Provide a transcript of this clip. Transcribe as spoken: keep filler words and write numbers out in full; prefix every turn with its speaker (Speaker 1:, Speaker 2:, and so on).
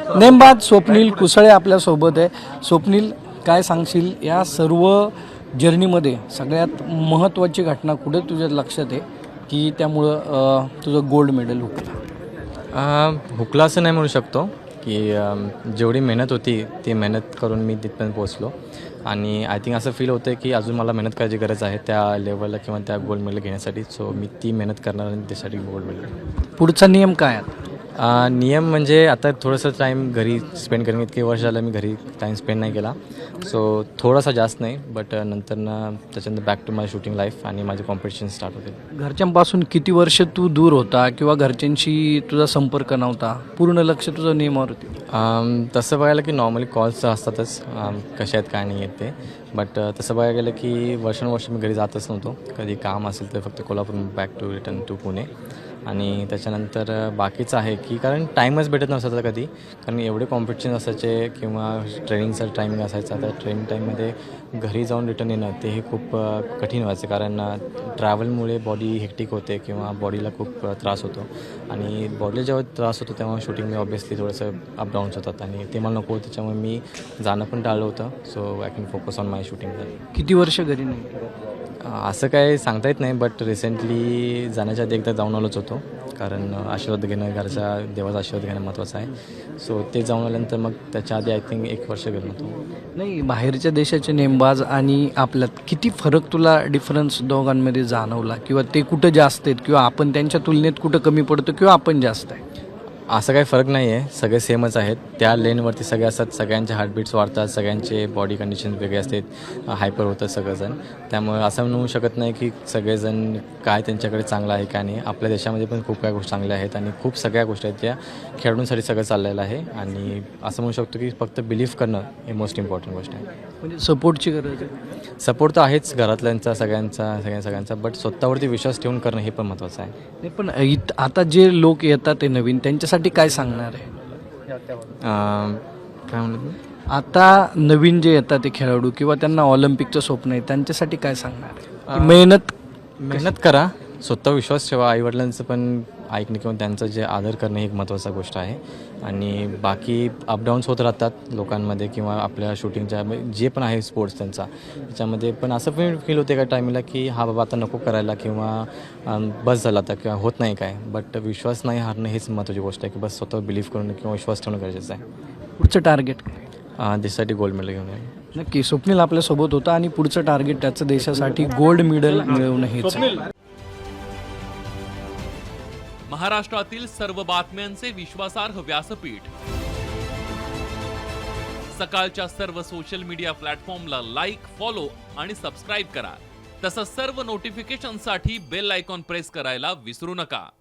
Speaker 1: नेमबाज स्वप्नील कुसळे आपल्यासोबत आहे. स्वप्नील, काय सांगशील या सर्व जर्नीमध्ये सगळ्यात महत्त्वाची घटना कुठे तुझ्या लक्षात आहे की त्यामुळं तुझं गोल्ड मेडल हुकलं?
Speaker 2: हुकला असं नाही म्हणू शकतो की जेवढी मेहनत होती ती मेहनत करून मी तिथपर्यंत पोहोचलो आणि आय थिंक असं फील होतं की अजून मला मेहनत करायची गरज आहे त्या लेवलला किंवा त्या गोल्ड मेडल घेण्यासाठी. सो मी ती मेहनत करणार आणि त्यासाठी गोल्ड मेडल.
Speaker 1: पुढचा नियम काय आहे?
Speaker 2: नियम म्हणजे आता थोडंसं टाईम घरी स्पेंड करेन. इतके वर्ष झालं मी घरी टाईम स्पेंड नाही केला. सो थोडासा जास्त नाही, बट नंतरनं त्याच्यानंतर back to my shooting life आणि माझे कॉम्पिटिशन स्टार्ट होते.
Speaker 1: घरच्यांपासून किती वर्ष तू दूर होता किंवा घरच्यांशी तुझा संपर्क नव्हता, पूर्ण लक्ष तुझं नियमावर होती?
Speaker 2: तसं बघायला की नॉर्मली कॉल्स असतातच, कशा आहेत काय नाही आहेत ते. बट तसं बघायला गेलं की वर्षानुवर्ष मी घरी जातच नव्हतो. कधी काम असेल तर फक्त Kolhapur back to return to Pune. आणि त्याच्यानंतर बाकीचं आहे की कारण टाईमच भेटत नसायचा कधी, कारण एवढे कॉम्पिटिशन असायचे किंवा ट्रेनिंगचा टायमिंग असायचा. त्या ट्रेनिंग टाईममध्ये घरी जाऊन रिटर्न येणं ते हे खूप कठीण व्हायचं, कारण ट्रॅव्हलमुळे बॉडी हेक्टिक होते किंवा बॉडीला खूप त्रास होतो. आणि बॉडीला जेव्हा त्रास होतो तेव्हा शूटिंगमध्ये ऑब्वियसली थोडंसं अपडाऊन्स होतात आणि ते मला नको, त्याच्यामुळे मी जाणं पण टाळलं होतं. So I can focus on my shooting.
Speaker 1: किती वर्ष घरी नाही?
Speaker 2: असं काय सांगता येत नाही, बट रिसेंटली जाण्याच्या आधी एकदा जाऊन आलोच होतो, कारण आशीर्वाद घेणं, घरच्या देवाचा आशीर्वाद घेणं महत्त्वाचं आहे. सो ते जाऊन आल्यानंतर मग त्याच्या आधी आय थिंक एक वर्ष गेलो होतो.
Speaker 1: नाही, बाहेरच्या देशाचे नेमबाज आणि आपल्यात किती फरक तुला डिफरन्स दोघांमध्ये जाणवला, किंवा ते कुठं जास्त आहेत किंवा आपण त्यांच्या तुलनेत कुठं कमी पडतो किंवा आपण जास्त आहे?
Speaker 2: असं काही फरक नाही आहे, सगळे सेमच आहेत. त्या लेनवरती सगळे असतात, सगळ्यांचे हार्टबीट्स वाढतात, सगळ्यांचे बॉडी कंडिशन वेगळे असतात, हायपर होतं सगळंजण. त्यामुळे असं म्हणू शकत नाही की सगळेजण काय त्यांच्याकडे चांगलं आहे काय नाही. आपल्या देशामध्ये पण खूप काही गोष्टी चांगल्या आहेत आणि खूप सगळ्या गोष्टी आहेत ज्या खेळाडूंसाठी सगळं चाललेलं आहे. आणि असं म्हणू शकतो की फक्त बिलीव्ह करणं हे मोस्ट इम्पॉर्टंट गोष्ट आहे.
Speaker 1: म्हणजे सपोर्टची गरज आहे?
Speaker 2: सपोर्ट तर आहेच घरातल्यांचा, सगळ्यांचा सगळ्या सगळ्यांचा, बट स्वतःवरती विश्वास ठेवून करणं हे पण महत्त्वाचं आहे.
Speaker 1: नाही, पण इत आता जे लोक येतात ते नवीन, त्यांच्यासाठी काय सांगणार आहे?
Speaker 2: काय म्हणलं?
Speaker 1: आता नवीन जे येतात ते खेळाडू किंवा त्यांना ऑलिम्पिकचं स्वप्न आहे, त्यांच्यासाठी काय सांगणार आहे? मेहनत
Speaker 2: मेहनत करा, स्वतः विश्वास ठेवा, आईवडिलांचं पण ऐकणं किंवा त्यांचं जे आदर करणं ही एक महत्त्वाची गोष्ट आहे. आणि बाकी अपडाऊन्स होत राहतात लोकांमध्ये किंवा आपल्या शूटिंगच्या जे पण आहे स्पोर्ट्स त्यांचा, त्याच्यामध्ये पण असं पण फील होते का टायमिंगला की हा बाबा आता नको करायला किंवा बस झाला आता किंवा होत नाही काय. बट विश्वास नाही हारणं हेच महत्त्वाची गोष्ट आहे की बस स्वतः बिलीव्ह करणं किंवा विश्वास ठेवणं गरजेचं आहे.
Speaker 1: पुढचं टार्गेट?
Speaker 2: देशासाठी गोल्ड मेडल घेऊन येईल.
Speaker 1: नक्की स्वप्नील आपल्यासोबत होता आणि पुढचं टार्गेट त्याचं देशासाठी गोल्ड मेडल मिळवणं हेच आहे.
Speaker 3: महाराष्ट्रातील सर्व बातम्यांचे विश्वासार्ह व्यासपीठ, सकाळच्या सर्व सोशल मीडिया प्लॅटफॉर्मला लाईक, फॉलो आणि सबस्क्राईब करा. तसंच सर्व नोटिफिकेशनसाठी बेल आयकॉन प्रेस करायला विसरू नका.